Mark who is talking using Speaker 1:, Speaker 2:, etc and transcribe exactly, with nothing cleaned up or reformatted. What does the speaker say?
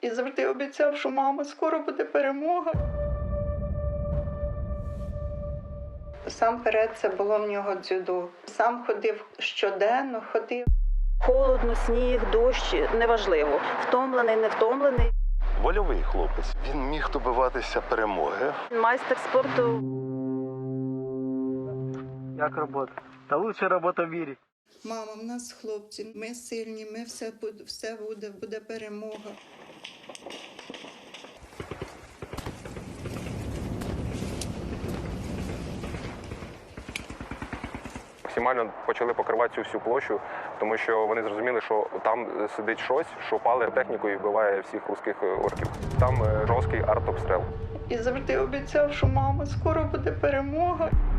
Speaker 1: І завжди обіцяв, що мама, скоро буде перемога. Сам перед це було в нього дзюдо. Сам ходив щоденно, ходив. Холодно, сніг, дощ, неважливо. Втомлений, не втомлений.
Speaker 2: Вольовий хлопець. Він міг добиватися перемоги.
Speaker 1: Майстер спорту.
Speaker 3: Як робота? Та лучша робота в мірі.
Speaker 1: Мама, в нас хлопці, ми сильні, ми все буде, все буде, буде перемога.
Speaker 4: Максимально почали покривати цю всю площу, тому що вони зрозуміли, що там сидить щось, що пале техніку і вбиває всіх русських орків. Там жорсткий артобстріл.
Speaker 1: І завжди обіцяв, що мама, скоро буде перемога.